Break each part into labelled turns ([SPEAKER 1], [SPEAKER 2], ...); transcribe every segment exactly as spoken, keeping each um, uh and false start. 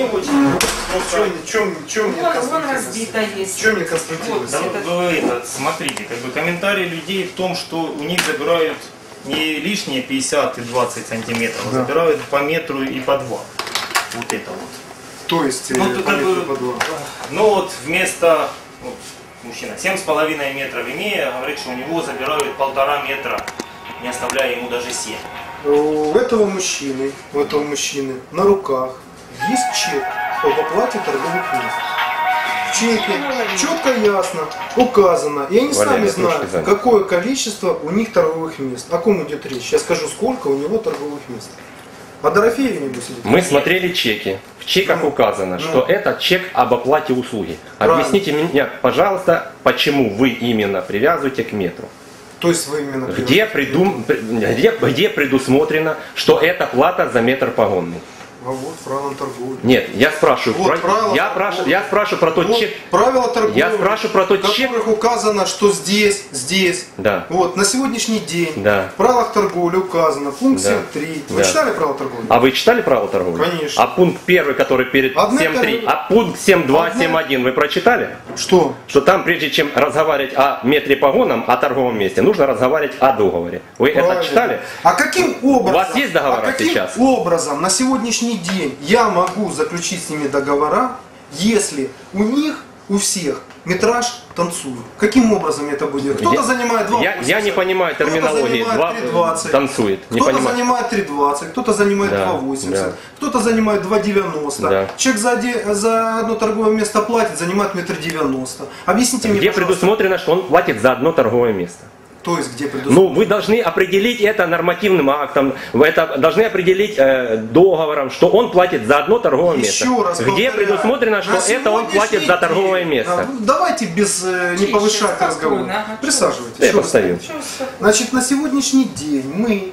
[SPEAKER 1] очень.
[SPEAKER 2] Ну, чем, чем, чем мне
[SPEAKER 3] Вон разбито есть.
[SPEAKER 2] Чем мне конструктивность?
[SPEAKER 1] Да, вы, это, смотрите, как бы комментарии людей в том, что у них забирают не лишние пятьдесят и двадцать сантиметров, а
[SPEAKER 2] да.
[SPEAKER 1] забирают по метру и по два. Вот это вот.
[SPEAKER 2] То есть
[SPEAKER 1] ну,
[SPEAKER 2] по метру
[SPEAKER 1] бы,
[SPEAKER 2] по два.
[SPEAKER 1] Ну вот вместо вот, мужчина семь с половиной метров имея, говорит, что у него забирают полтора метра, не оставляя ему даже семь.
[SPEAKER 2] У этого мужчины, у этого мужчины на руках есть чек об оплате торговых мест. В чеке четко и ясно указано, и они сами знают, какое количество у них торговых мест. О ком идет речь? Я скажу, сколько у него торговых мест. А Дорофеев не будет.
[SPEAKER 4] Мы смотрели чеки. В чеках ну, указано, ну, что это чек об оплате услуги. Правильно. Объясните мне, пожалуйста, почему вы именно привязываете к метру?
[SPEAKER 2] То есть вы именно
[SPEAKER 4] где, придум... где, где предусмотрено, что это плата за метр погонный?
[SPEAKER 2] А вот правила торговли.
[SPEAKER 4] Нет, я спрашиваю,
[SPEAKER 2] вот
[SPEAKER 4] про... я, прошу, я спрашиваю про тот
[SPEAKER 2] вот
[SPEAKER 4] чек.
[SPEAKER 2] Правила торговли,
[SPEAKER 4] я спрашиваю про тот
[SPEAKER 2] в
[SPEAKER 4] чек,
[SPEAKER 2] которых указано, что здесь, здесь.
[SPEAKER 4] Да.
[SPEAKER 2] Вот, на сегодняшний день
[SPEAKER 4] да.
[SPEAKER 2] в правилах торговли указано, пункт
[SPEAKER 4] да.
[SPEAKER 2] семь три. Вы
[SPEAKER 4] да.
[SPEAKER 2] читали правила торговли?
[SPEAKER 4] А вы читали правила торговли?
[SPEAKER 2] Конечно.
[SPEAKER 4] А пункт первый, который перед семь три, а пункт семь два, семь один вы прочитали?
[SPEAKER 2] Что?
[SPEAKER 4] Что там, прежде чем разговаривать о метре погоном, о торговом месте, нужно разговаривать о договоре. Вы Правильно. это читали?
[SPEAKER 2] А каким образом?
[SPEAKER 4] У вас есть договора
[SPEAKER 2] а каким
[SPEAKER 4] сейчас?
[SPEAKER 2] образом на сегодняшний день я могу заключить с ними договора, если у них, у всех метраж танцует? Каким образом это будет? Кто-то занимает два восемьдесят,
[SPEAKER 4] я, я не понимаю терминологии. два танцует.
[SPEAKER 2] Кто-то занимает три двадцать, кто-то занимает
[SPEAKER 4] да,
[SPEAKER 2] два восемьдесят,
[SPEAKER 4] да.
[SPEAKER 2] кто-то занимает два девяносто. Да. Человек за, за одно торговое место платит, занимает метр девяносто. Объясните мне,
[SPEAKER 4] где
[SPEAKER 2] пожалуйста.
[SPEAKER 4] предусмотрено, что он платит за одно торговое место?
[SPEAKER 2] То есть где предусмотрено?
[SPEAKER 4] Ну, вы должны определить это нормативным актом, вы это должны определить э, договором, что он платит за одно торговое
[SPEAKER 2] Еще
[SPEAKER 4] место.
[SPEAKER 2] раз
[SPEAKER 4] где
[SPEAKER 2] повторяю,
[SPEAKER 4] предусмотрено, что это он платит за торговое
[SPEAKER 2] день,
[SPEAKER 4] место.
[SPEAKER 2] Давайте без э, не повышать разговор. Присаживайтесь.
[SPEAKER 4] Я поставил.
[SPEAKER 2] Значит, на сегодняшний день мы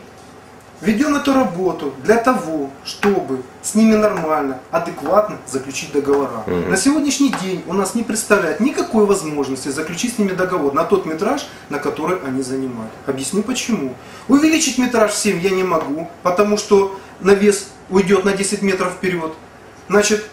[SPEAKER 2] ведем эту работу для того, чтобы с ними нормально, адекватно заключить договора. Угу. На сегодняшний день у нас не представляет никакой возможности заключить с ними договор на тот метраж, на который они занимают. Объясню почему. Увеличить метраж в семь я не могу, потому что навес уйдет на десять метров вперед. Значит,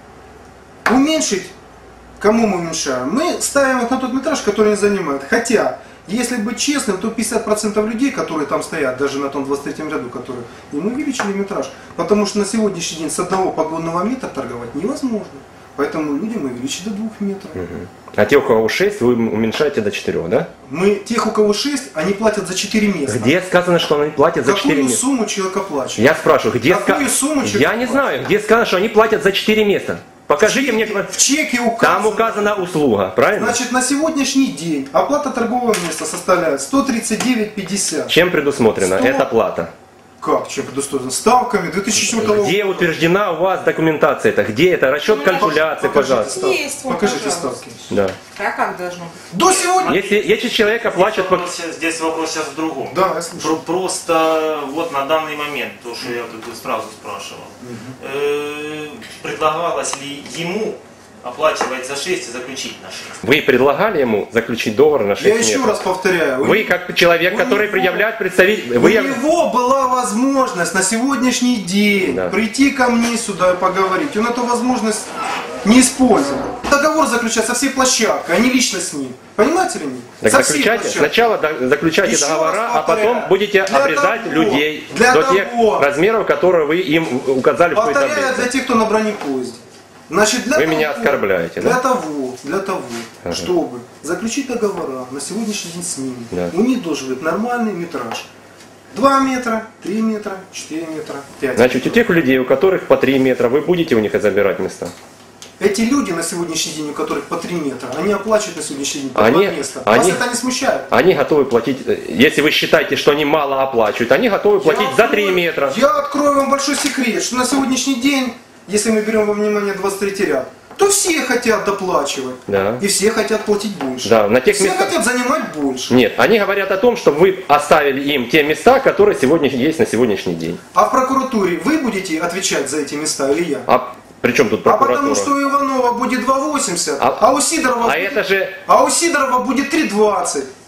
[SPEAKER 2] уменьшить, кому мы уменьшаем? Мы ставим их на тот метраж, который они занимают. Хотя, если быть честным, то пятьдесят процентов людей, которые там стоят, даже на том двадцать третьем ряду, которые им увеличили метраж, потому что на сегодняшний день с одного погонного метра торговать невозможно. Поэтому людям увеличить до двух метров.
[SPEAKER 4] Угу. А те, у кого шесть, вы уменьшаете до четырех, да?
[SPEAKER 2] Мы, тех, у кого шесть, они платят за четыре места.
[SPEAKER 4] Где сказано, что они платят за четыре места?
[SPEAKER 2] Какую сумму человек оплачивает?
[SPEAKER 4] Я спрашиваю, где
[SPEAKER 2] Какую сумму человек
[SPEAKER 4] Я не знаю, где сказано, что они платят за четыре места. Покажите
[SPEAKER 2] в чеке,
[SPEAKER 4] мне.
[SPEAKER 2] В чеке указано.
[SPEAKER 4] Там указана услуга, правильно?
[SPEAKER 2] Значит, на сегодняшний день оплата торгового места составляет сто тридцать девять пятьдесят.
[SPEAKER 4] Чем предусмотрена
[SPEAKER 2] сто...
[SPEAKER 4] эта плата?
[SPEAKER 2] Как? Чем предусмотрена? Ставками две тысячи четвёртого года.
[SPEAKER 4] Где утверждена у вас документация это? Где это? Расчет ну, калькуляции, пожалуйста.
[SPEAKER 3] Есть, вот,
[SPEAKER 2] покажите
[SPEAKER 3] пожалуйста.
[SPEAKER 2] ставки.
[SPEAKER 4] Да.
[SPEAKER 3] А как должно быть?
[SPEAKER 2] До сегодня.
[SPEAKER 4] Если, если человек оплачивает...
[SPEAKER 1] Здесь вопрос, здесь вопрос сейчас в другом.
[SPEAKER 2] Да, я слушаю.
[SPEAKER 1] Про, просто вот на данный момент, то, что я как бы сразу спрашивал, угу. э, предлагалось ли ему оплачивать за шесть и заключить на шесть?
[SPEAKER 4] Вы предлагали ему заключить договор на шесть
[SPEAKER 2] Я
[SPEAKER 4] метров?
[SPEAKER 2] еще раз повторяю.
[SPEAKER 4] Вы как человек, который него, предъявляет представитель...
[SPEAKER 2] У
[SPEAKER 4] вы...
[SPEAKER 2] него была возможность на сегодняшний день да. прийти ко мне сюда и поговорить. Он эту возможность не использовал. Договор заключать со всей площадкой, а не лично с ним. Понимаете ли нет?
[SPEAKER 4] Так
[SPEAKER 2] со
[SPEAKER 4] заключайте, сначала заключайте
[SPEAKER 2] еще
[SPEAKER 4] договора, а потом будете обрезать
[SPEAKER 2] того,
[SPEAKER 4] людей
[SPEAKER 2] для
[SPEAKER 4] до
[SPEAKER 2] того,
[SPEAKER 4] тех размеров, которые вы им указали в какой-то
[SPEAKER 2] повторяю для тех, кто на бронепоезде. Значит, для
[SPEAKER 4] Вы
[SPEAKER 2] того,
[SPEAKER 4] меня оскорбляете,
[SPEAKER 2] для
[SPEAKER 4] да?
[SPEAKER 2] того, для того,
[SPEAKER 4] ага.
[SPEAKER 2] чтобы заключить договора на сегодняшний день с ними,
[SPEAKER 4] да.
[SPEAKER 2] у них должен быть нормальный метраж. два метра, три метра, четыре метра, пять
[SPEAKER 4] Значит,
[SPEAKER 2] метров.
[SPEAKER 4] у тех людей, у которых по три метра, вы будете у них забирать места?
[SPEAKER 2] Эти люди на сегодняшний день, у которых по три метра, они оплачивают на сегодняшний день по
[SPEAKER 4] они,
[SPEAKER 2] два места.
[SPEAKER 4] Они,
[SPEAKER 2] Вас это не смущает?
[SPEAKER 4] Они готовы платить, если вы считаете, что они мало оплачивают, они готовы платить
[SPEAKER 2] я
[SPEAKER 4] за
[SPEAKER 2] открою,
[SPEAKER 4] три метра.
[SPEAKER 2] Я открою вам большой секрет, что на сегодняшний день, если мы берем во внимание двадцать третий ряд, то все хотят доплачивать.
[SPEAKER 4] Да.
[SPEAKER 2] И все хотят платить больше.
[SPEAKER 4] Да, на тех
[SPEAKER 2] все
[SPEAKER 4] местах...
[SPEAKER 2] хотят занимать больше.
[SPEAKER 4] Нет, они говорят о том, что вы оставили им те места, которые сегодня есть на сегодняшний день.
[SPEAKER 2] А в прокуратуре вы будете отвечать за эти места или я?
[SPEAKER 4] А при чем тут прокуратура?
[SPEAKER 2] А потому что у Иванова будет два восемьдесят,
[SPEAKER 4] а,
[SPEAKER 2] а у Сидорова,
[SPEAKER 4] а
[SPEAKER 2] будет,
[SPEAKER 4] это же...
[SPEAKER 2] а у Сидорова будет три двадцать.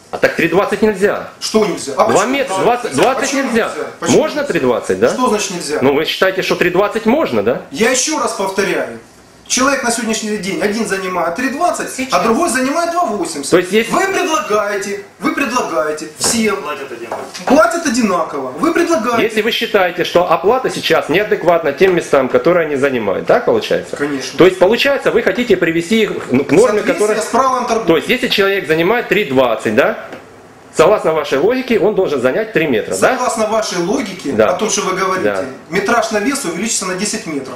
[SPEAKER 4] А так три двадцать нельзя.
[SPEAKER 2] Что нельзя? А
[SPEAKER 4] два
[SPEAKER 2] почему
[SPEAKER 4] метра,
[SPEAKER 2] нельзя?
[SPEAKER 4] двадцать, двадцать
[SPEAKER 2] Почему
[SPEAKER 4] нельзя.
[SPEAKER 2] Почему
[SPEAKER 4] Можно
[SPEAKER 2] нельзя?
[SPEAKER 4] три двадцать, да?
[SPEAKER 2] Что значит нельзя?
[SPEAKER 4] Ну вы считаете, что три двадцать можно, да?
[SPEAKER 2] Я еще раз повторяю. Человек на сегодняшний день один занимает три двадцать, а другой занимает два восемьдесят.
[SPEAKER 4] То есть есть-
[SPEAKER 2] Вы предлагаете, вы предлагаете всем
[SPEAKER 1] Платят одинаково.
[SPEAKER 2] платят одинаково. Вы предлагаете.
[SPEAKER 4] Если вы считаете, что оплата сейчас неадекватна тем местам, которые они занимают, так получается?
[SPEAKER 2] Конечно.
[SPEAKER 4] То есть получается, вы хотите привести их к норме,
[SPEAKER 2] Соответствие
[SPEAKER 4] которая...
[SPEAKER 2] с правилом торговли.
[SPEAKER 4] То есть если человек занимает три двадцать, да? Согласно вашей логике, он должен занять три метра, да?
[SPEAKER 2] Согласно вашей логике,
[SPEAKER 4] Да.
[SPEAKER 2] о том, что вы говорите,
[SPEAKER 4] Да.
[SPEAKER 2] метраж на вес увеличится на десять метров.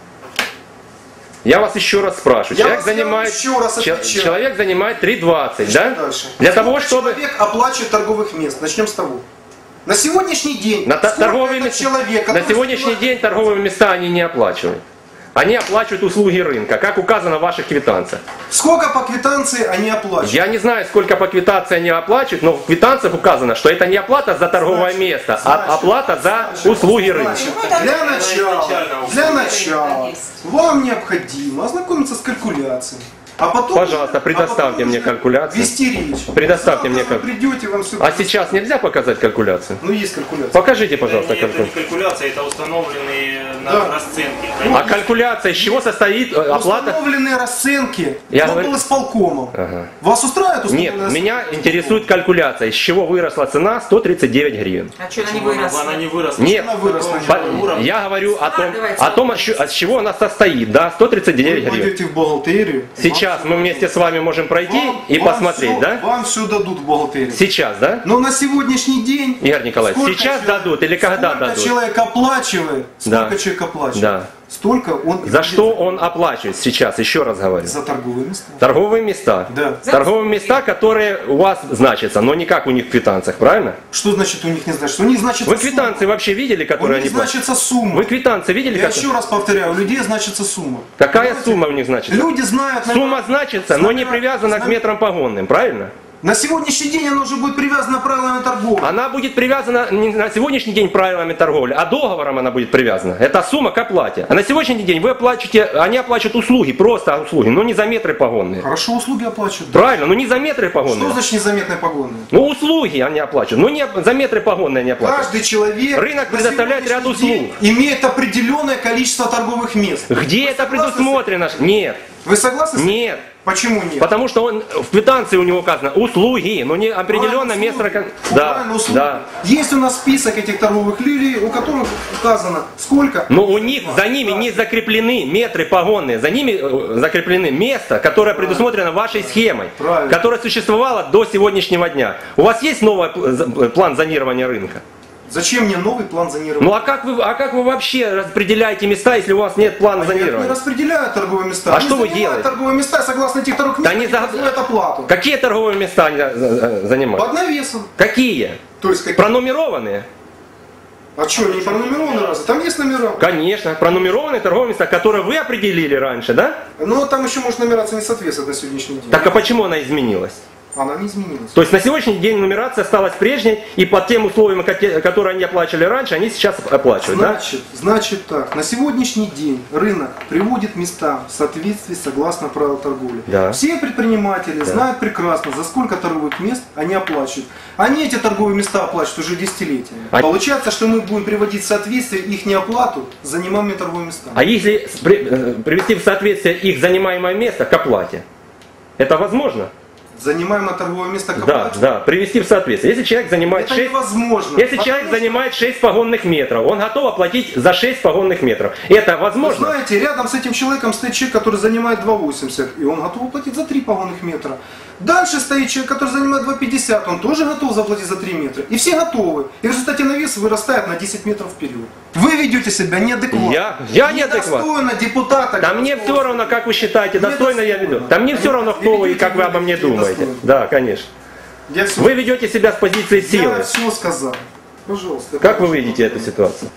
[SPEAKER 4] Я вас еще раз спрашиваю.
[SPEAKER 2] Я
[SPEAKER 4] Человек
[SPEAKER 2] вас- я
[SPEAKER 4] занимает,
[SPEAKER 2] вам еще раз
[SPEAKER 4] че-
[SPEAKER 2] отвечаю.
[SPEAKER 4] человек занимает три двадцать, да?
[SPEAKER 2] Дальше.
[SPEAKER 4] Для того,
[SPEAKER 2] Сколько
[SPEAKER 4] чтобы...
[SPEAKER 2] человек оплачивает торговых мест? Начнем с того. На сегодняшний день,
[SPEAKER 4] На, та-
[SPEAKER 2] сколько
[SPEAKER 4] торговые
[SPEAKER 2] этот
[SPEAKER 4] места-
[SPEAKER 2] человек,
[SPEAKER 4] на
[SPEAKER 2] который
[SPEAKER 4] сегодняшний
[SPEAKER 2] занимает-
[SPEAKER 4] день торговые места они не оплачивают. Они оплачивают услуги рынка, как указано в ваших квитанциях.
[SPEAKER 2] Сколько по квитанции они оплачивают?
[SPEAKER 4] Я не знаю, сколько по квитанции они оплачивают, но в квитанциях указано, что это не оплата за торговое
[SPEAKER 2] Значит,
[SPEAKER 4] место,
[SPEAKER 2] значит,
[SPEAKER 4] а оплата за услуги рынка.
[SPEAKER 2] Значит,
[SPEAKER 3] Ну, это
[SPEAKER 2] для
[SPEAKER 3] это
[SPEAKER 2] начала,
[SPEAKER 1] изначально
[SPEAKER 2] для
[SPEAKER 1] услуги
[SPEAKER 2] начала
[SPEAKER 3] рынка есть.
[SPEAKER 2] вам необходимо ознакомиться с калькуляцией. А потом,
[SPEAKER 4] Пожалуйста,
[SPEAKER 2] а
[SPEAKER 4] предоставьте
[SPEAKER 2] потом
[SPEAKER 4] мне
[SPEAKER 2] уже
[SPEAKER 4] калькуляцию.
[SPEAKER 2] Вести речь.
[SPEAKER 4] Предоставьте
[SPEAKER 2] Завтра
[SPEAKER 4] мне
[SPEAKER 2] вы
[SPEAKER 4] каль-
[SPEAKER 2] придете, вам все
[SPEAKER 4] А сейчас нельзя показать калькуляцию?
[SPEAKER 2] Ну, есть калькуляция.
[SPEAKER 4] Покажите, пожалуйста,
[SPEAKER 1] Это не
[SPEAKER 4] калькуляцию.
[SPEAKER 1] калькуляция, это установленные на
[SPEAKER 2] Да.
[SPEAKER 1] расценки.
[SPEAKER 4] А калькуляция из чего состоит э, оплата?
[SPEAKER 2] Установленные расценки.
[SPEAKER 4] Я
[SPEAKER 2] Я
[SPEAKER 4] говорю-
[SPEAKER 2] был исполкомом.
[SPEAKER 4] Ага.
[SPEAKER 2] Вас устраивает
[SPEAKER 4] Нет,
[SPEAKER 2] установленная расценка?
[SPEAKER 4] меня интересует калькуляция, из чего выросла цена сто тридцать девять гривен.
[SPEAKER 3] А что она не
[SPEAKER 1] Она
[SPEAKER 3] выросла?
[SPEAKER 1] не выросла.
[SPEAKER 4] Нет,
[SPEAKER 2] Она выросла.
[SPEAKER 4] по- я говорю о том,
[SPEAKER 3] Складывается
[SPEAKER 4] о том, от
[SPEAKER 3] вопрос.
[SPEAKER 4] чё- от чего она состоит, да, сто тридцать девять
[SPEAKER 2] Вы
[SPEAKER 4] гривен.
[SPEAKER 2] пойдете в бухгалтерию.
[SPEAKER 4] Сейчас мы вместе с вами можем пройти
[SPEAKER 2] Вам-
[SPEAKER 4] и
[SPEAKER 2] вам
[SPEAKER 4] посмотреть,
[SPEAKER 2] всё-
[SPEAKER 4] да?
[SPEAKER 2] Вам все дадут в бухгалтерии.
[SPEAKER 4] Сейчас, да?
[SPEAKER 2] Но на сегодняшний день...
[SPEAKER 4] Игорь Николаевич,
[SPEAKER 2] сколько
[SPEAKER 4] сейчас
[SPEAKER 2] человек-
[SPEAKER 4] дадут или когда
[SPEAKER 2] сколько
[SPEAKER 4] дадут?
[SPEAKER 2] человек оплачивает, сколько
[SPEAKER 4] Да.
[SPEAKER 2] человек оплачивает,
[SPEAKER 4] Да.
[SPEAKER 2] столько он... и
[SPEAKER 4] За
[SPEAKER 2] будет
[SPEAKER 4] что он оплачивает сейчас, еще раз говорю?
[SPEAKER 2] За торговые места.
[SPEAKER 4] Торговые места.
[SPEAKER 2] Да.
[SPEAKER 4] Торговые места, которые у вас значатся, но не как у них в квитанциях, правильно?
[SPEAKER 2] Что значит у них не значится? У них значится
[SPEAKER 4] Вы квитанции
[SPEAKER 2] сумма.
[SPEAKER 4] вообще видели,
[SPEAKER 2] У
[SPEAKER 4] которые
[SPEAKER 2] них
[SPEAKER 4] они платят?
[SPEAKER 2] значится сумма.
[SPEAKER 4] Вы квитанции видели?
[SPEAKER 2] Я
[SPEAKER 4] как-
[SPEAKER 2] еще раз повторяю, у людей значится сумма.
[SPEAKER 4] Какая
[SPEAKER 2] Понимаете?
[SPEAKER 4] сумма у них значится?
[SPEAKER 2] Люди знают...
[SPEAKER 4] Сумма значится, но не
[SPEAKER 2] Знамена-
[SPEAKER 4] привязана к
[SPEAKER 2] знамена-
[SPEAKER 4] метрам погонным, правильно?
[SPEAKER 2] На сегодняшний день оно уже будет привязано правилами торговли.
[SPEAKER 4] Она будет привязана не на сегодняшний день правилами торговли, а договором она будет привязана. Это сумма к оплате. А на сегодняшний день вы оплачиваете, они оплачивают услуги, просто услуги, но не за метры погонные.
[SPEAKER 2] Хорошо, услуги оплачивают. да.
[SPEAKER 4] Правильно, но не за метры
[SPEAKER 2] Что
[SPEAKER 4] погонные.
[SPEAKER 2] значит незаметные погоны?
[SPEAKER 4] Ну услуги они оплачивают, но не за метры погонные они оплачивают.
[SPEAKER 2] Каждый человек
[SPEAKER 4] Рынок
[SPEAKER 2] на
[SPEAKER 4] предоставляет ряд
[SPEAKER 2] сегодняшний
[SPEAKER 4] услуг.
[SPEAKER 2] день имеет определенное количество торговых мест.
[SPEAKER 4] Где
[SPEAKER 2] Вы
[SPEAKER 4] это
[SPEAKER 2] согласны с
[SPEAKER 4] предусмотрено? Нет,
[SPEAKER 2] Вы согласны? с этим?
[SPEAKER 4] нет.
[SPEAKER 2] Почему нет?
[SPEAKER 4] Потому что он в квитанции у него указано услуги, но не определенно
[SPEAKER 2] Правильно,
[SPEAKER 4] место.
[SPEAKER 2] услуги.
[SPEAKER 4] Да,
[SPEAKER 2] Правильно, услуги.
[SPEAKER 4] да.
[SPEAKER 2] Есть у нас список этих торговых лилий, у которых указано сколько.
[SPEAKER 4] Но у них, за ними не закреплены метры погонные, за ними э, закреплены место, которое предусмотрено вашей схемой,
[SPEAKER 2] Правильно.
[SPEAKER 4] которое существовало до сегодняшнего дня. У вас есть новый пл- за- план зонирования рынка?
[SPEAKER 2] Зачем мне новый план зонирования?
[SPEAKER 4] Ну а как вы, а как вы вообще распределяете места, если у вас нет плана
[SPEAKER 2] А я не
[SPEAKER 4] зонирования?
[SPEAKER 2] распределяю торговые места.
[SPEAKER 4] А
[SPEAKER 2] Они
[SPEAKER 4] что вы
[SPEAKER 2] занимают
[SPEAKER 4] делаете?
[SPEAKER 2] торговые места согласно этих торговых
[SPEAKER 4] Да
[SPEAKER 2] мест,
[SPEAKER 4] не за-
[SPEAKER 2] производят оплату.
[SPEAKER 4] Какие торговые места они э, э, занимают?
[SPEAKER 2] Под навесом.
[SPEAKER 4] Какие?
[SPEAKER 2] То есть какие?
[SPEAKER 4] Пронумерованные?
[SPEAKER 2] А что, они пронумерованы разве? Там есть номера.
[SPEAKER 4] Конечно, пронумерованные торговые места, которые вы определили раньше, да?
[SPEAKER 2] Но там еще может нумерация не соответствовать на сегодняшний день.
[SPEAKER 4] Так а почему она изменилась?
[SPEAKER 2] Она не изменилась.
[SPEAKER 4] То есть на сегодняшний день нумерация осталась прежней, и по тем условиям, коте- которые они оплачивали раньше, они сейчас оплачивают, да?
[SPEAKER 2] Значит, значит так, на сегодняшний день рынок приводит места в соответствии согласно правил торговли.
[SPEAKER 4] Да.
[SPEAKER 2] Все предприниматели знают прекрасно, за сколько торговых мест они оплачивают. Они эти торговые места оплачивают уже десятилетиями.
[SPEAKER 4] А-
[SPEAKER 2] Получается, что мы будем приводить в соответствие их неоплату с занимаемыми торговыми местами.
[SPEAKER 4] А если с- при- э, привести в соответствие их занимаемое место к оплате, это возможно?
[SPEAKER 2] Занимаемое торговое место к
[SPEAKER 4] Да,
[SPEAKER 2] оплате?
[SPEAKER 4] да, привести в соответствие. Если человек занимает
[SPEAKER 2] Это
[SPEAKER 4] шесть,
[SPEAKER 2] невозможно.
[SPEAKER 4] если
[SPEAKER 2] Потому
[SPEAKER 4] человек
[SPEAKER 2] что,
[SPEAKER 4] занимает шесть погонных метров, он готов оплатить за шесть погонных метров. Это
[SPEAKER 2] вы
[SPEAKER 4] возможно?
[SPEAKER 2] знаете, рядом с этим человеком стоит человек, который занимает два восемьдесят, и он готов оплатить за три погонных метра. Дальше стоит человек, который занимает два пятьдесят, он тоже готов заплатить за три метра. И все готовы. И в результате навес вырастает на десять метров вперед. Вы ведете себя неадекватно.
[SPEAKER 4] Я, я неадекватно.
[SPEAKER 2] Недостойно депутата.
[SPEAKER 4] Да мне все равно, как вы считаете, достойно я веду. Да мне все равно, кто вы и как вы обо мне думаете. Да, конечно.
[SPEAKER 2] Я все,
[SPEAKER 4] Вы ведете себя с позиции силы.
[SPEAKER 2] я все сказал. Пожалуйста.
[SPEAKER 4] Как вы видите эту ситуацию?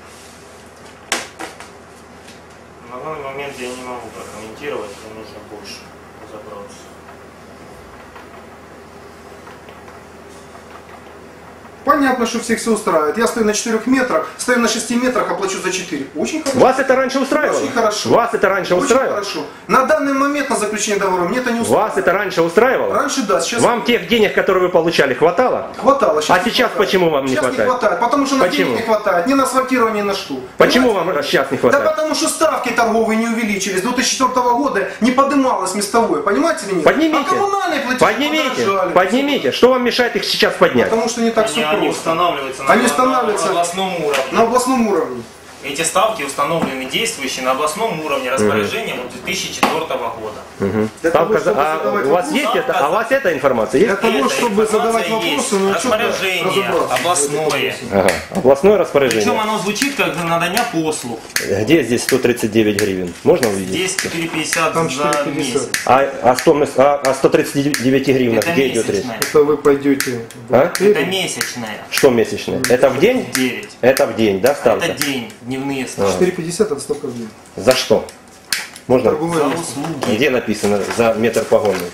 [SPEAKER 1] На данный момент я не могу прокомментировать, мне нужно больше разобраться.
[SPEAKER 2] Понятно, что всех все устраивает. Я стою на четырёх метрах, стою на шести метрах, оплачу за четыре. Очень хорошо.
[SPEAKER 4] Вас это раньше устраивало?
[SPEAKER 2] Очень хорошо.
[SPEAKER 4] Вас это раньше
[SPEAKER 2] Очень
[SPEAKER 4] устраивало?
[SPEAKER 2] хорошо. На данный момент на заключение договора мне это не устраивает.
[SPEAKER 4] Вас это раньше устраивало?
[SPEAKER 2] Раньше да, сейчас
[SPEAKER 4] Вам тех денег, которые вы получали, хватало?
[SPEAKER 2] хватало.
[SPEAKER 4] А
[SPEAKER 2] не
[SPEAKER 4] сейчас
[SPEAKER 2] хватает.
[SPEAKER 4] почему вам не
[SPEAKER 2] сейчас
[SPEAKER 4] хватает?
[SPEAKER 2] не хватает, потому что на
[SPEAKER 4] Почему?
[SPEAKER 2] денег не хватает, ни на асфальтирование, ни на что.
[SPEAKER 4] Почему
[SPEAKER 2] Понимаете?
[SPEAKER 4] вам сейчас не
[SPEAKER 2] Да
[SPEAKER 4] хватает?
[SPEAKER 2] потому что ставки торговые не увеличились. С две тысячи четвёртого года не поднималось местовое, понимаете или нет?
[SPEAKER 4] Поднимите.
[SPEAKER 2] А коммунальные платежи
[SPEAKER 4] Поднимите.
[SPEAKER 2] подорожали.
[SPEAKER 4] Поднимите. Что вам мешает их сейчас поднять?
[SPEAKER 2] Потому что не так
[SPEAKER 1] Они,
[SPEAKER 2] все
[SPEAKER 1] они
[SPEAKER 2] просто.
[SPEAKER 1] устанавливаются на,
[SPEAKER 2] Они
[SPEAKER 1] на-
[SPEAKER 2] устанавливаются
[SPEAKER 1] на областном уровне.
[SPEAKER 2] на областном уровне.
[SPEAKER 1] Эти ставки установлены действующие на областном уровне распоряжением от две тысячи четвёртого года.
[SPEAKER 4] Мгм.
[SPEAKER 2] Для
[SPEAKER 4] Ставка
[SPEAKER 2] того,
[SPEAKER 4] за-
[SPEAKER 2] чтобы
[SPEAKER 4] а
[SPEAKER 2] задавать
[SPEAKER 4] у вас
[SPEAKER 2] вопросы,
[SPEAKER 4] есть это? А у вас эта информация
[SPEAKER 2] Для
[SPEAKER 4] есть?
[SPEAKER 2] того,
[SPEAKER 1] Эта
[SPEAKER 2] чтобы задавать
[SPEAKER 1] информация есть.
[SPEAKER 2] вопросы, ну а что
[SPEAKER 1] Распоряжение
[SPEAKER 2] разобраться?
[SPEAKER 1] областное.
[SPEAKER 4] Ага. Областное
[SPEAKER 1] Причем
[SPEAKER 4] распоряжение.
[SPEAKER 1] оно звучит как надання послуг.
[SPEAKER 4] Где здесь сто тридцать девять гривен? Можно увидеть?
[SPEAKER 1] Здесь четыре пятьдесят
[SPEAKER 2] Там
[SPEAKER 1] за
[SPEAKER 2] четыре пятьдесят.
[SPEAKER 1] месяц.
[SPEAKER 4] А, а, сто, а, а сто тридцать девять гривнах
[SPEAKER 1] Это
[SPEAKER 4] где идет речь?
[SPEAKER 1] месячная.
[SPEAKER 2] Это вы пойдете в
[SPEAKER 4] А?
[SPEAKER 2] бухгалтерию.
[SPEAKER 1] Это месячная.
[SPEAKER 4] Что месячное? Это в день?
[SPEAKER 1] девять.
[SPEAKER 4] Это в день, да, ставка?
[SPEAKER 1] Это день, дневные ставки.
[SPEAKER 2] четыре пятьдесят это ставка в день.
[SPEAKER 4] За что? Можно?
[SPEAKER 2] Торговое
[SPEAKER 1] За
[SPEAKER 2] место.
[SPEAKER 1] услуги.
[SPEAKER 4] Где написано за метр погонный?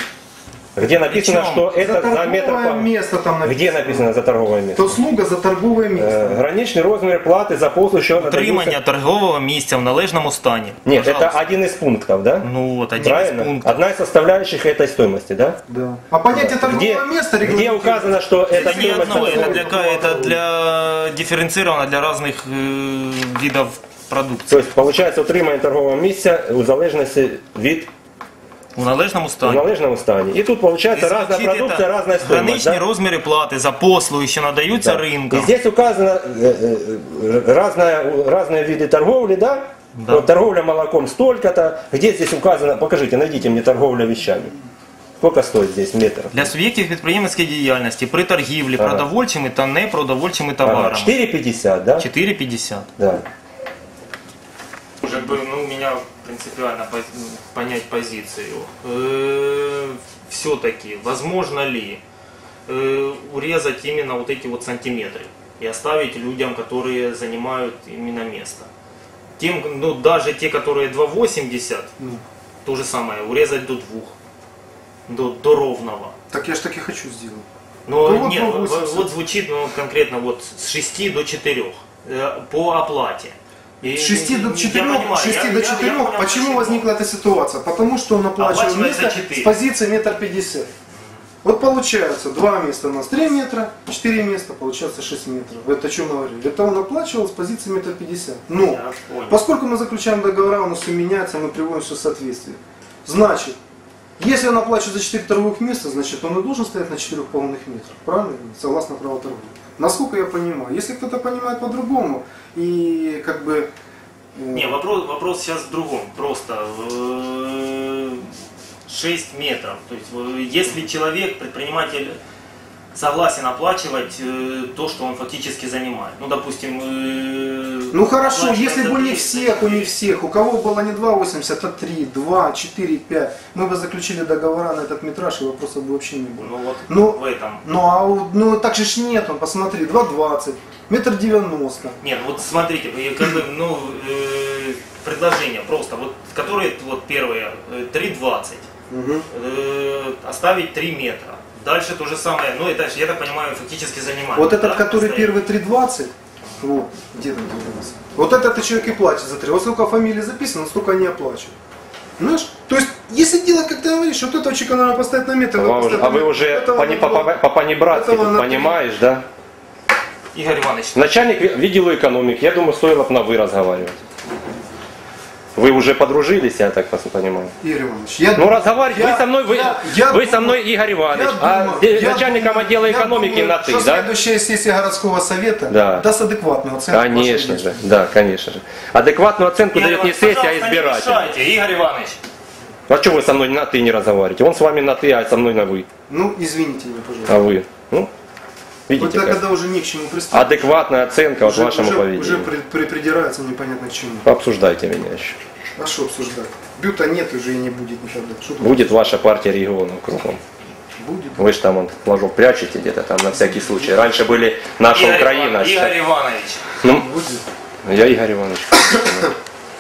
[SPEAKER 4] Где написано,
[SPEAKER 1] Причем
[SPEAKER 4] что это
[SPEAKER 2] за
[SPEAKER 4] за метр
[SPEAKER 2] торговое
[SPEAKER 4] погонный?
[SPEAKER 2] место там написано.
[SPEAKER 4] Где написано за торговое место?
[SPEAKER 2] То услуга за торговое
[SPEAKER 4] Е,
[SPEAKER 2] место.
[SPEAKER 4] Граничний розмір плати за послуг, що
[SPEAKER 1] Утримання
[SPEAKER 4] надаються.
[SPEAKER 1] торгового місця в належному стані.
[SPEAKER 4] Нет, это
[SPEAKER 1] Пожалуйста.
[SPEAKER 4] один из пунктов, да?
[SPEAKER 1] Ну вот, один
[SPEAKER 4] Правильно?
[SPEAKER 1] из пунктов.
[SPEAKER 4] Одна из составляющих этой стоимости, да?
[SPEAKER 2] Да. А понятие торгового
[SPEAKER 4] Где,
[SPEAKER 2] места
[SPEAKER 4] где
[SPEAKER 2] регламентируется.
[SPEAKER 4] указано, что это
[SPEAKER 1] Это не
[SPEAKER 4] стоимость...
[SPEAKER 1] одно, это
[SPEAKER 4] торговой?
[SPEAKER 1] для, ка- это для дифференцировано для разных э, видов продукции.
[SPEAKER 4] Тобто, получается, утримання торгового місця у залежності від
[SPEAKER 1] У належному
[SPEAKER 4] у
[SPEAKER 1] стані.
[SPEAKER 4] належному стані. І тут получается разная
[SPEAKER 1] Звучить
[SPEAKER 4] продукция,
[SPEAKER 1] это
[SPEAKER 4] разная стоимость.
[SPEAKER 1] Граничні
[SPEAKER 4] Да?
[SPEAKER 1] розміри плати за послуги, що надаються
[SPEAKER 4] Да.
[SPEAKER 1] ринком.
[SPEAKER 4] И здесь указано э, э, разная, разные виды торговли, да?
[SPEAKER 1] Да.
[SPEAKER 4] Вот торговля молоком столько-то. Где здесь указано, покажите, найдите мне торговля вещами. Сколько стоит здесь метр?
[SPEAKER 1] Для суб'єктів підприємницької діяльності при торгівлі
[SPEAKER 4] Ага.
[SPEAKER 1] продовольчими та непродовольчими
[SPEAKER 4] Ага,
[SPEAKER 1] товарами.
[SPEAKER 4] четыре пятьдесят, да?
[SPEAKER 1] чотири п'ятдесят.
[SPEAKER 4] Да.
[SPEAKER 1] Уже бы, ну, у меня принципиально поз- понять позицию. Э, Все-таки, возможно ли э, урезать именно вот эти вот сантиметры и оставить людям, которые занимают именно место? Тем, ну, даже те, которые два восемьдесят,
[SPEAKER 2] Ну,
[SPEAKER 1] то же самое, урезать до двух, до, до ровного.
[SPEAKER 2] так я ж так и хочу сделать.
[SPEAKER 1] Но
[SPEAKER 2] Ну, вот
[SPEAKER 1] нет,
[SPEAKER 2] два
[SPEAKER 1] вот,
[SPEAKER 2] восемьдесят.
[SPEAKER 1] вот звучит ну, конкретно вот с шести до четырёх э, по оплате. И-
[SPEAKER 2] С шести
[SPEAKER 1] я
[SPEAKER 2] до четырёх,
[SPEAKER 1] понимаю,
[SPEAKER 2] с шести
[SPEAKER 1] я-
[SPEAKER 2] до
[SPEAKER 1] я- я
[SPEAKER 2] четырёх.
[SPEAKER 1] понял,
[SPEAKER 2] Почему возникла эта ситуация? Потому что он оплачивал
[SPEAKER 1] Оплачивает за
[SPEAKER 2] место
[SPEAKER 1] четыре.
[SPEAKER 2] с позиции метр пятьдесят. Вот получается, два места у нас три метра, четыре места, получается шесть метров. Это о чем говорили? Это он оплачивал с позиции метр пятьдесят. Но,
[SPEAKER 1] Я понял.
[SPEAKER 2] поскольку мы заключаем договора, у нас все меняется, мы приводим все в соответствие. Значит, если он оплачивает за четыре торговых места, значит он и должен стоять на четырёх полных метрах. Правильно? Согласно праву торговли. Насколько я понимаю. Если кто-то понимает по-другому, и как бы... э,
[SPEAKER 1] Не, вопрос, вопрос сейчас в другом. Просто э, шесть метров. То есть, э, если человек, предприниматель, согласен оплачивать э, то, что он фактически занимает. Ну, допустим... э,
[SPEAKER 2] Ну хорошо,
[SPEAKER 1] оплачивает
[SPEAKER 2] если
[SPEAKER 1] за
[SPEAKER 2] бы не
[SPEAKER 1] три,
[SPEAKER 2] всех,
[SPEAKER 1] за
[SPEAKER 2] у не
[SPEAKER 1] четыре.
[SPEAKER 2] всех, у кого было не два восемьдесят, а три, два, четыре, пять, мы бы заключили договора на этот метраж, и вопросов бы вообще не было.
[SPEAKER 1] Ну вот
[SPEAKER 2] Ну,
[SPEAKER 1] в этом.
[SPEAKER 2] Ну а у- ну так же ж нет, он, посмотри, два двадцать, метр девяносто.
[SPEAKER 1] Нет, вот смотрите, вы как бы, ну, э, предложение просто, вот, которые вот первые, э, три двадцать, э, оставить три метра. Дальше то же самое, ну это, я так понимаю, фактически занимает.
[SPEAKER 2] Вот этот,
[SPEAKER 1] да,
[SPEAKER 2] который
[SPEAKER 1] постоянно.
[SPEAKER 2] первый три двадцать, вот, где там девяносто? Вот этот человек и платит за три. Вот сколько фамилий записано, столько они оплачивают. Знаешь? То есть, если делать, как ты говоришь, вот этого человека надо поставить на метр.
[SPEAKER 4] Вам уже- а вы уже
[SPEAKER 2] этого
[SPEAKER 4] по-
[SPEAKER 2] на
[SPEAKER 4] по-
[SPEAKER 2] два.
[SPEAKER 4] по- по-понебратски
[SPEAKER 2] Этого
[SPEAKER 4] тут
[SPEAKER 2] на три.
[SPEAKER 4] понимаешь, да?
[SPEAKER 1] Игорь Иванович,
[SPEAKER 4] Начальник ви- відділу экономики, я думаю, стоило бы на «вы» разговаривать. Вы уже подружились, я так пос- понимаю.
[SPEAKER 2] Игорь Иванович, я
[SPEAKER 4] Ну разговаривать,
[SPEAKER 2] я-
[SPEAKER 4] вы со мной, вы,
[SPEAKER 2] я- я
[SPEAKER 4] вы со
[SPEAKER 2] думаю-
[SPEAKER 4] мной Игорь Иванович,
[SPEAKER 2] Я
[SPEAKER 4] а
[SPEAKER 2] думаю-
[SPEAKER 4] де-
[SPEAKER 2] я
[SPEAKER 4] начальником
[SPEAKER 2] думаю-
[SPEAKER 4] отдела
[SPEAKER 2] я
[SPEAKER 4] экономики
[SPEAKER 2] думаю,
[SPEAKER 4] на «ты»,
[SPEAKER 2] что
[SPEAKER 4] да?
[SPEAKER 2] следующая сессия городского совета
[SPEAKER 4] Да.
[SPEAKER 2] даст адекватную оценку.
[SPEAKER 4] Конечно
[SPEAKER 2] вашей
[SPEAKER 4] же, да, конечно же. Адекватную оценку
[SPEAKER 1] Игорь
[SPEAKER 4] дает не
[SPEAKER 1] Иванович,
[SPEAKER 4] сессия, а
[SPEAKER 1] пожалуйста, не
[SPEAKER 4] избиратель.
[SPEAKER 1] мешайте, Игорь Иванович.
[SPEAKER 4] А что вы со мной на «ты» не разговариваете? Он с вами на «ты», а со мной на «вы».
[SPEAKER 2] Ну, извините меня, пожалуйста.
[SPEAKER 4] А вы? Ну,
[SPEAKER 2] Вот
[SPEAKER 4] видите,
[SPEAKER 2] так,
[SPEAKER 4] как?
[SPEAKER 2] когда уже не к чему пристать.
[SPEAKER 4] Адекватная оценка вот
[SPEAKER 2] уже,
[SPEAKER 4] вашему
[SPEAKER 2] уже,
[SPEAKER 4] поведению.
[SPEAKER 2] уже при- при- придирается непонятно к чему.
[SPEAKER 4] Обсуждайте меня еще.
[SPEAKER 2] А что обсуждать? Бюта нет и уже и не будет никогда. Что тут
[SPEAKER 4] Будет ваша партия регионов кругом.
[SPEAKER 2] будет?
[SPEAKER 4] Вы же там вон, флажок прячете где-то там на всякий случай. Раньше были наша
[SPEAKER 1] Игорь
[SPEAKER 4] Украина. а
[SPEAKER 1] Иван-
[SPEAKER 4] сейчас-
[SPEAKER 1] Игорь Иванович.
[SPEAKER 4] Ну,
[SPEAKER 2] Будет.
[SPEAKER 4] я Игорь Иванович.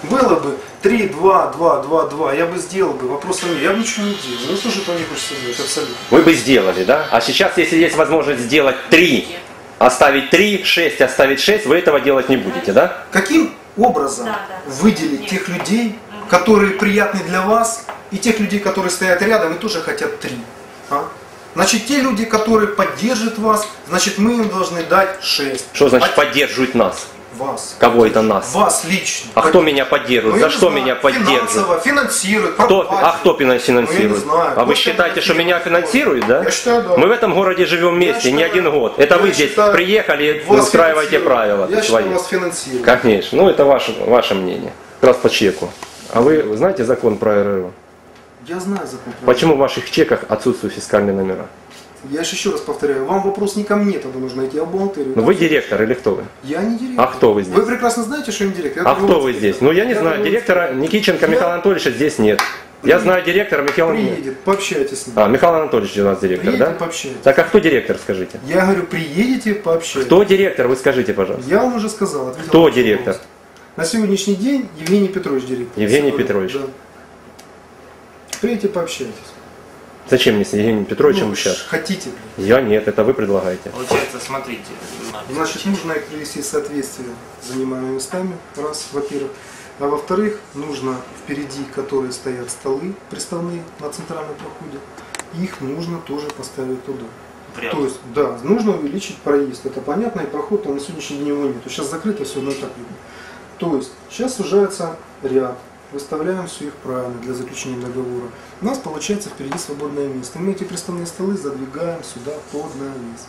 [SPEAKER 2] Было бы три, два, два, два, два, я бы сделал бы, вопроса нет. Я бы ничего не делал. Ну, слушай, то не хочется делать, абсолютно.
[SPEAKER 4] Вы бы сделали, да? А сейчас, если есть возможность сделать три, оставить три, шесть, оставить шесть, вы этого делать не будете, да?
[SPEAKER 2] Каким образом
[SPEAKER 3] Да, да.
[SPEAKER 2] выделить
[SPEAKER 3] Нет.
[SPEAKER 2] тех людей, которые приятны для вас, и тех людей, которые стоят рядом и тоже хотят три? А? Значит, те люди, которые поддержат вас, значит, мы им должны дать шесть.
[SPEAKER 4] Что значит
[SPEAKER 2] А
[SPEAKER 4] поддерживать нас?
[SPEAKER 2] вас?
[SPEAKER 4] Кого это нас?
[SPEAKER 2] Вас лично.
[SPEAKER 4] А кто меня поддерживает?
[SPEAKER 2] Ну,
[SPEAKER 4] За
[SPEAKER 2] я не
[SPEAKER 4] что
[SPEAKER 2] знаю,
[SPEAKER 4] меня поддерживает?
[SPEAKER 2] Финансово, финансирует,
[SPEAKER 4] Кто,
[SPEAKER 2] проплатит.
[SPEAKER 4] а кто
[SPEAKER 2] Ну, я не
[SPEAKER 4] финансирует?
[SPEAKER 2] знаю.
[SPEAKER 4] А вы
[SPEAKER 2] Кто
[SPEAKER 4] считаете, что
[SPEAKER 2] финансирует?
[SPEAKER 4] меня финансируют, да?
[SPEAKER 2] Я считаю, да.
[SPEAKER 4] Мы в этом городе живем вместе,
[SPEAKER 2] Я
[SPEAKER 4] не
[SPEAKER 2] считаю,
[SPEAKER 4] один год. Это
[SPEAKER 2] я
[SPEAKER 4] вы здесь
[SPEAKER 2] считаю,
[SPEAKER 4] приехали и
[SPEAKER 2] Вас
[SPEAKER 4] устраиваете
[SPEAKER 2] финансируют.
[SPEAKER 4] правила
[SPEAKER 2] Я
[SPEAKER 4] свои.
[SPEAKER 2] считаю, вас финансируют.
[SPEAKER 4] Конечно, ну это ваше, ваше мнение. Как раз по чеку. А вы знаете закон про эр эр о?
[SPEAKER 2] Я знаю закон.
[SPEAKER 4] Почему в ваших чеках отсутствуют фискальные номера?
[SPEAKER 2] Я же еще раз повторяю, вам вопрос не ко мне тогда нужно идти, а бухгалтерию.
[SPEAKER 4] Ну вы директор или кто вы?
[SPEAKER 2] Я не директор.
[SPEAKER 4] А кто вы здесь?
[SPEAKER 2] Вы прекрасно знаете, что я не директор. Я
[SPEAKER 4] А кто
[SPEAKER 2] торговый
[SPEAKER 4] вы
[SPEAKER 2] директор.
[SPEAKER 4] здесь? Ну я не
[SPEAKER 2] Я
[SPEAKER 4] знаю,
[SPEAKER 2] торговый
[SPEAKER 4] директора Никиченко
[SPEAKER 2] Я-
[SPEAKER 4] Михаила Анатольевича здесь нет. Я знаю директора Михаила...
[SPEAKER 2] Приедет, пообщайтесь с ним.
[SPEAKER 4] А, Михаил Анатольевич у нас директор,
[SPEAKER 2] Приедете,
[SPEAKER 4] да?
[SPEAKER 2] пообщайтесь.
[SPEAKER 4] Так а кто директор, скажите?
[SPEAKER 2] Я говорю, приедете, пообщайтесь.
[SPEAKER 4] Кто директор, вы скажите, пожалуйста.
[SPEAKER 2] Я вам уже сказал. ответил
[SPEAKER 4] Кто
[SPEAKER 2] на ваш
[SPEAKER 4] директор?
[SPEAKER 2] вопрос. На сегодняшний день Евгений Петрович директор.
[SPEAKER 4] Евгений
[SPEAKER 2] Сегодня,
[SPEAKER 4] Петрович.
[SPEAKER 2] Да. Приедете, пообщайтесь.
[SPEAKER 4] Зачем мне с Евгением Петровичем
[SPEAKER 2] Ну,
[SPEAKER 4] общаться?
[SPEAKER 2] хотите, блин.
[SPEAKER 4] Я нет, это вы предлагаете.
[SPEAKER 1] Получается, смотрите.
[SPEAKER 2] Значит, нужно их привести в соответствие с занимаемыми местами, раз, во-первых. А во-вторых, нужно впереди, которые стоят столы приставные на центральном проходе, их нужно тоже поставить туда.
[SPEAKER 1] Прям.
[SPEAKER 2] То есть, да, нужно увеличить проезд. Это понятно, и проход там на сегодняшний день его нет. Сейчас закрыто все, но и так видно. То есть, сейчас сужается ряд. Выставляем все их правильно для заключения договора. У нас получается впереди свободное место. Мы эти приставные столы задвигаем сюда под навес.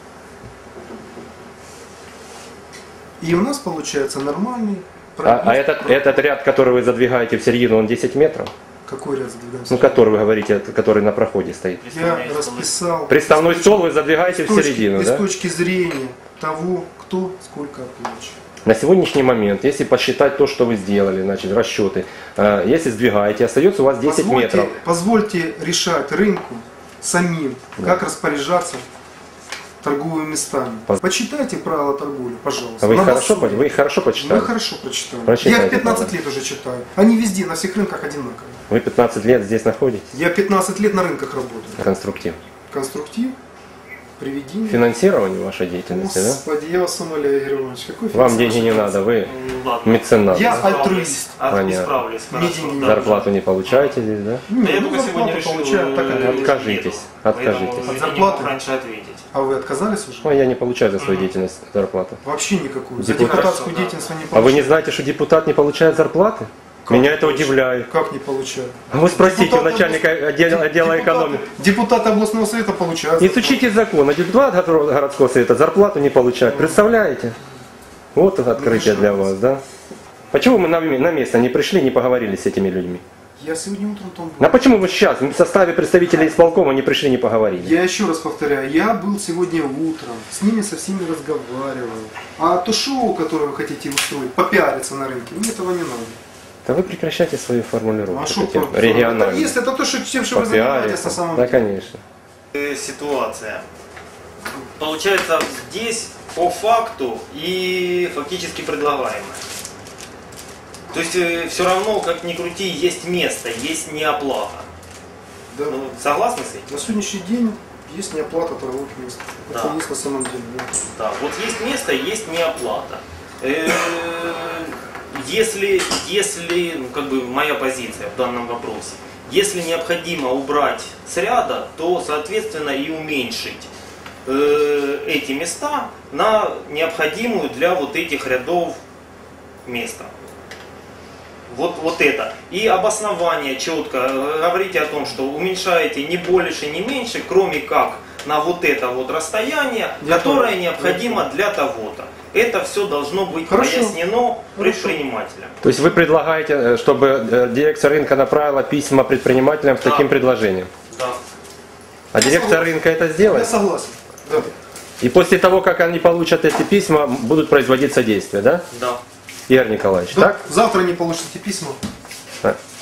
[SPEAKER 2] И у нас получается нормальный
[SPEAKER 4] А,
[SPEAKER 2] проезд.
[SPEAKER 4] а этот, этот ряд, который вы задвигаете в середину, он десять метров?
[SPEAKER 2] Какой ряд задвигаем?
[SPEAKER 4] Ну, который вы говорите, который на проходе стоит.
[SPEAKER 2] Я расписал.
[SPEAKER 4] Приставной
[SPEAKER 2] с
[SPEAKER 4] стол
[SPEAKER 2] точки-
[SPEAKER 4] вы задвигаете
[SPEAKER 2] с
[SPEAKER 4] в
[SPEAKER 2] точки-
[SPEAKER 4] середину,
[SPEAKER 2] и
[SPEAKER 4] да?
[SPEAKER 2] с точки зрения того, кто сколько оплачивает.
[SPEAKER 4] На сегодняшний момент, если посчитать то, что вы сделали, значит, расчеты, э, если сдвигаете, остается у вас десять
[SPEAKER 2] Позвольте-
[SPEAKER 4] метров.
[SPEAKER 2] Позвольте решать рынку самим, как распоряжаться торговыми местами.
[SPEAKER 4] Поз-
[SPEAKER 2] Почитайте правила торговли, пожалуйста.
[SPEAKER 4] А вы их,
[SPEAKER 2] На
[SPEAKER 4] хорошо,
[SPEAKER 2] досуге.
[SPEAKER 4] по- вы их хорошо
[SPEAKER 2] Мы
[SPEAKER 4] почитали?
[SPEAKER 2] хорошо прочитали.
[SPEAKER 4] Прочитайте,
[SPEAKER 2] Я их пятнадцать
[SPEAKER 4] правила.
[SPEAKER 2] лет уже читаю. Они везде, на всех рынках одинаковые.
[SPEAKER 4] Вы пятнадцать лет здесь находитесь?
[SPEAKER 2] Я пятнадцать лет на рынках работаю.
[SPEAKER 4] Конструктив.
[SPEAKER 2] Конструктив, приведение.
[SPEAKER 4] Финансирование вашей деятельности, да?
[SPEAKER 2] Господи, я вас умоляю, Игорь Иванович, какой
[SPEAKER 4] Вам
[SPEAKER 2] финансовый
[SPEAKER 4] деньги не
[SPEAKER 2] финанс?
[SPEAKER 4] надо, вы
[SPEAKER 1] Ну, ладно.
[SPEAKER 4] меценат.
[SPEAKER 2] Я
[SPEAKER 1] Исправлюсь.
[SPEAKER 2] альтруист.
[SPEAKER 1] А,
[SPEAKER 4] Понятно.
[SPEAKER 1] Исправлюсь,
[SPEAKER 2] Мне
[SPEAKER 1] хорошо,
[SPEAKER 2] деньги не
[SPEAKER 1] да.
[SPEAKER 4] Зарплату не получаете здесь, да?
[SPEAKER 2] Не,
[SPEAKER 1] Да я
[SPEAKER 2] ну,
[SPEAKER 1] только сегодня
[SPEAKER 2] зарплату
[SPEAKER 1] решил
[SPEAKER 2] получаю, так,
[SPEAKER 1] э,
[SPEAKER 2] как-
[SPEAKER 4] Откажитесь,
[SPEAKER 1] еду.
[SPEAKER 4] откажитесь.
[SPEAKER 1] Поэтому
[SPEAKER 2] От
[SPEAKER 1] я не
[SPEAKER 2] зарплаты?
[SPEAKER 1] мог раньше ответить.
[SPEAKER 2] А вы отказались уже?
[SPEAKER 4] Ой, я не получаю за свою деятельность зарплату.
[SPEAKER 2] Вообще никакую. За
[SPEAKER 4] Депутат.
[SPEAKER 2] депутатскую
[SPEAKER 1] Хорошо, да.
[SPEAKER 2] деятельность вы не
[SPEAKER 4] А вы
[SPEAKER 2] получаете.
[SPEAKER 4] не знаете, что депутат не получает зарплаты?
[SPEAKER 2] Как
[SPEAKER 4] Меня
[SPEAKER 2] не
[SPEAKER 4] это
[SPEAKER 2] получаю?
[SPEAKER 4] удивляет.
[SPEAKER 2] Как не получаю?
[SPEAKER 4] А вы спросите у
[SPEAKER 2] Депутаты
[SPEAKER 4] начальника
[SPEAKER 2] област-
[SPEAKER 4] отдела, отдела
[SPEAKER 2] депутаты-
[SPEAKER 4] экономики.
[SPEAKER 2] Депутаты областного совета получают.
[SPEAKER 4] Не
[SPEAKER 2] зарплату.
[SPEAKER 4] сучите закон, а депутат горо- городского совета зарплату не получает. Представляете? Вот это открытие для вас, да? Почему мы на, м- на место не пришли, не поговорили с этими людьми?
[SPEAKER 2] Я сегодня утром там был.
[SPEAKER 4] А почему вы сейчас в составе представителей исполкома не пришли, не поговорили?
[SPEAKER 2] Я еще раз повторяю, я был сегодня утром, с ними со всеми разговаривал. А то шоу, которое вы хотите устроить, попиариться на рынке, мне этого не надо.
[SPEAKER 4] Да вы прекращайте свою формулировку.
[SPEAKER 2] А что
[SPEAKER 4] такие
[SPEAKER 2] по-
[SPEAKER 4] региональные.
[SPEAKER 2] Это есть, это то, что, чем что вы занимаетесь на самом
[SPEAKER 4] Да,
[SPEAKER 2] деле.
[SPEAKER 4] конечно.
[SPEAKER 1] Э, Ситуация. Получается, здесь по факту и фактически предлагаемое. То есть все равно, как ни крути, есть место, есть неоплата.
[SPEAKER 2] Да.
[SPEAKER 1] Ну, согласны с этим?
[SPEAKER 2] На сегодняшний день есть неоплата торговых мест. Это
[SPEAKER 1] Да.
[SPEAKER 2] есть на самом деле. Да.
[SPEAKER 1] Да, вот есть место, есть неоплата. Э, Если, если, ну, как бы моя позиция в данном вопросе, если необходимо убрать с ряда, то, соответственно, и уменьшить э, эти места на необходимую для вот этих рядов место. Вот, вот это. И обоснование четко. э, Говорите о том, что уменьшаете не больше, не меньше, кроме как на вот это вот расстояние,
[SPEAKER 2] Я
[SPEAKER 1] которое
[SPEAKER 2] понял.
[SPEAKER 1] необходимо для того-то. Это все должно быть
[SPEAKER 2] Хорошо.
[SPEAKER 1] пояснено
[SPEAKER 2] Хорошо.
[SPEAKER 1] предпринимателям.
[SPEAKER 4] То есть вы предлагаете, э, чтобы э, дирекция рынка направила письма предпринимателям с
[SPEAKER 1] Да.
[SPEAKER 4] таким предложением?
[SPEAKER 1] Да.
[SPEAKER 4] А дирекция
[SPEAKER 2] согласен.
[SPEAKER 4] рынка это
[SPEAKER 2] Я
[SPEAKER 4] сделает?
[SPEAKER 2] согласен. Да.
[SPEAKER 4] И после того, как они получат эти письма, будут производиться действия, да?
[SPEAKER 1] Да.
[SPEAKER 4] Игорь Николаевич,
[SPEAKER 2] Да.
[SPEAKER 4] так?
[SPEAKER 2] Завтра не получите письма.
[SPEAKER 4] Так.